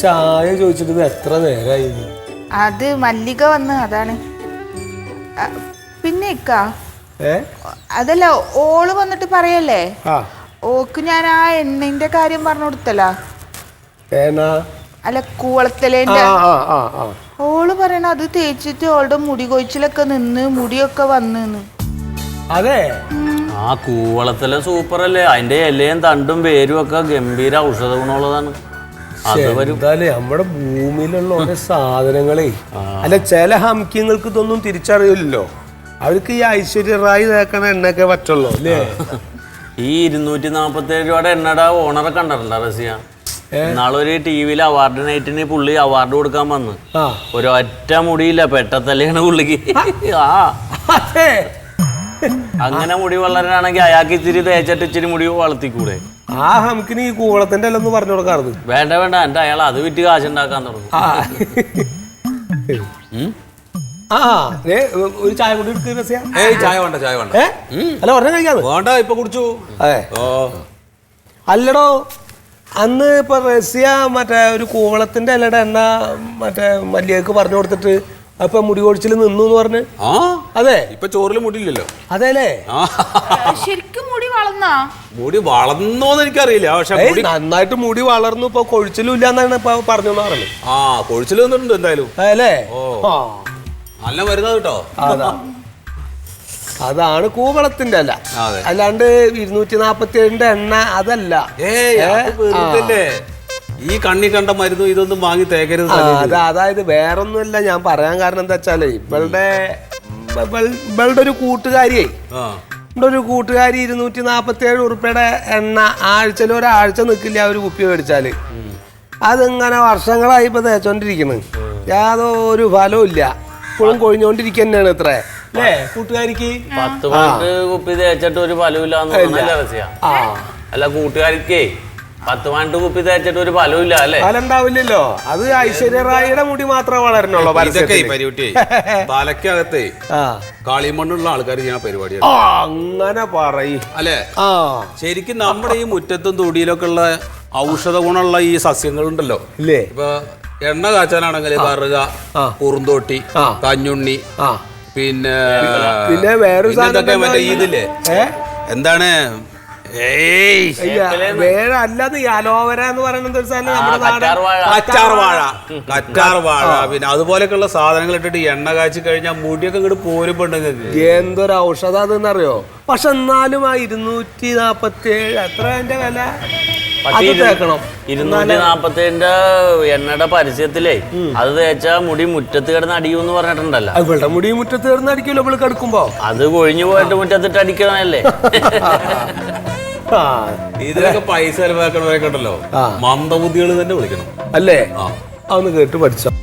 ചായ ചോദിച്ചിട്ട് എത്ര നേരമായി? അത് മല്ലിക വന്ന് അതാണ്. പിന്നെ അതല്ല, ഓള് വന്നിട്ട് പറയല്ലേ, ഓക്ക് ഞാൻ ആ എണ്ണന്റെ കാര്യം പറഞ്ഞു കൊടുത്തല്ല. അല്ല, കൂവളത്തലേന്റെ. ഓള് പറയണ അത് തേച്ചിട്ട് ഓളുടെ മുടി കൊഴിച്ചിലൊക്കെ നിന്ന് മുടിയൊക്കെ വന്ന്. അതെ, ആ കൂവളത്തിലെ സൂപ്പർ അല്ലേ? അതിന്റെ ഇലയും തണ്ടും പേരും ഒക്കെ ഗംഭീര ഔഷധ ഗുണമുള്ളതാണ്. നമ്മുടെ ഭൂമിയിലുള്ള ഓരോ സാധനങ്ങളെ അല്ല, ചില ഹംക്യങ്ങൾക്ക് ഇതൊന്നും തിരിച്ചറിയില്ലല്ലോ. അവർക്ക് ഈ ഐശ്വര്യ റായി തേക്കണ എണ്ണയൊക്കെ പറ്റുള്ളൂ അല്ലേ? ഈ 247 രൂപയുടെ എണ്ണയുടെ ഓണറെ കണ്ടിട്ടുണ്ടോ റസിയ? നാളൊരു ടിവിയിൽ അവാർഡ് നൈറ്റിന് പുള്ളി അവാർഡ് കൊടുക്കാൻ വന്ന് ഒരൊറ്റ മുടിയില്ല, പെട്ടത്തല്ലാണ് പുള്ളിക്ക്. അങ്ങനെ മുടി വളരാണെങ്കിൽ അയാൾക്ക് ഇച്ചിരി തേച്ചിട്ട് ഇച്ചിരി മുടി വളർത്തിക്കൂടെ? ആ ഹംക്കിന് ഈ കൂവളത്തിന്റെ അല്ലെന്ന് പറഞ്ഞു കൊടുക്കാറുണ്ട്. വേണ്ട വേണ്ട, എന്റെ അയാൾ അത് വിറ്റ് കാശുണ്ടാക്കാൻ തുടങ്ങും. ഒരു ചായ കൂടി ചായ വേണ്ട, ചായ വേണ്ട. അല്ല, ഒരെണ്ണം കഴിക്കാതെ വേണ്ട, ഇപ്പൊ കുടിച്ചു. അല്ലടോ, അന്ന് ഇപ്പൊ റസിയ മറ്റേ ഒരു കൂവളത്തിന്റെ ഇലയുടെ എണ്ണ മറ്റേ മല്ലികക്ക് പറഞ്ഞു കൊടുത്തിട്ട് അപ്പൊ മുടി കൊഴിച്ചിൽ നിന്നു എന്ന് പറഞ്ഞ്. അതെ, ഇപ്പൊ ചോറിൽ മുടിയില്ലല്ലോ. അതെല്ലേ? ശരിക്കും മുടി വളർന്നാ? മുടി വളർന്നോന്ന് എനിക്കറിയില്ല, പക്ഷെ നന്നായിട്ട് മുടി വളർന്നു. ഇപ്പൊ കൊഴിച്ചിലും ഇല്ല എന്നാണ് ഇപ്പൊ പറഞ്ഞു പറഞ്ഞത്. കൊഴിച്ചിൽ വന്നിട്ടുണ്ട് എന്തായാലും. അല്ലേ? നല്ല മരുന്നാ കേട്ടോ. അതാണ് കൂവളത്തിന്റെ അല്ല, അല്ലാണ്ട് 247 എണ്ണ അതല്ല. ഈ കണ്ണി കണ്ട മരുന്നും ഇതൊന്നും വാങ്ങി തേക്കരുത്. അതായത് വേറൊന്നുമല്ല ഞാൻ പറയാൻ കാരണം എന്താ വെച്ചാല്, ഇവളുടെ ഒരു കൂട്ടുകാരിയെ ഒരു കൂട്ടുകാരി 247 ഉറുപ്പിയുടെ എണ്ണ ആഴ്ചയിൽ ഒരാഴ്ച നിൽക്കില്ല ഒരു കുപ്പി മേടിച്ചാല്. അതിങ്ങനെ വർഷങ്ങളായി ഇപ്പൊ തേച്ചോണ്ടിരിക്കണ്, യാതൊരു ഫലവും ഇല്ല, ഇപ്പോഴും കൊഴിഞ്ഞോണ്ടിരിക്കുക തന്നെയാണ്. ഇത്ര അല്ലേ കൂട്ടുകാരിക്ക്? 10 കുപ്പി തേച്ചിട്ട് ഒരു ഫലമില്ല. അല്ല, കൂട്ടുകാരിക്കേ 10 കുപ്പി തേച്ചിട്ട് ഒരു ഫലമില്ല അല്ലേ? ഫലമുണ്ടാവില്ലല്ലോ. അത് ഐശ്വര്യ റായിയുടെ മുടി മാത്രമേ വളരണുള്ളൂ. തലക്കകത്തെ കാളിമണ്ണുള്ള ആൾക്കാർ ചെയ്യുന്ന പരിപാടിയാണ്. അങ്ങനെ പറയും അല്ലേ? ശരിക്കും നമ്മുടെ ഈ മുറ്റത്തും തൊടിയിലൊക്കെ ഉള്ള ഔഷധ ഗുണമുള്ള ഈ സസ്യങ്ങളുണ്ടല്ലോ ഇല്ലേ? ഇപ്പൊ എണ്ണ കാച്ചാനാണെങ്കിൽ കറുക, കുറുന്തോട്ടി, കഞ്ഞുണ്ണി, പിന്നെ വേറൊരു മറ്റേ ഇതില്ലേ, എന്താണ് അല്ലാതെ അലോവര എന്ന് പറയുന്നത് കറ്റാർ വാഴ, പിന്നെ അതുപോലെയൊക്കെയുള്ള സാധനങ്ങൾ ഇട്ടിട്ട് എണ്ണ കാച്ചി കഴിഞ്ഞാൽ മുടിയൊക്കെ ഇങ്ങോട്ട് പോരുമ്പോണ്ടെങ്കിൽ എന്തൊരു ഔഷധം അതെന്നറിയോ. പക്ഷെ എന്നാലും ആ 247 എത്ര അതിന്റെ വില? 247 എണ്ണയുടെ പരസ്യത്തിലേ അത് തേച്ചാ മുടി മുറ്റത്ത് കിടന്ന് അടിയൂന്ന് പറഞ്ഞിട്ടുണ്ടല്ലോ. ഇവിടെ മുടി മുറ്റത്ത് കിടന്ന് അടിക്കുമല്ലോ ഇവിടെ കിടക്കുമ്പോ. അത് കൊഴിഞ്ഞു പോയിട്ട് മുറ്റത്തിട്ട് അടിക്കണല്ലേ? ഇതിലൊക്കെ പൈസ ചെലവാക്കണവരൊക്കെ ഉണ്ടല്ലോ, മന്ദബുദ്ധികൾ തന്നെ വിളിക്കണം അല്ലേ? അതൊന്ന് കേട്ട് പഠിച്ചോ.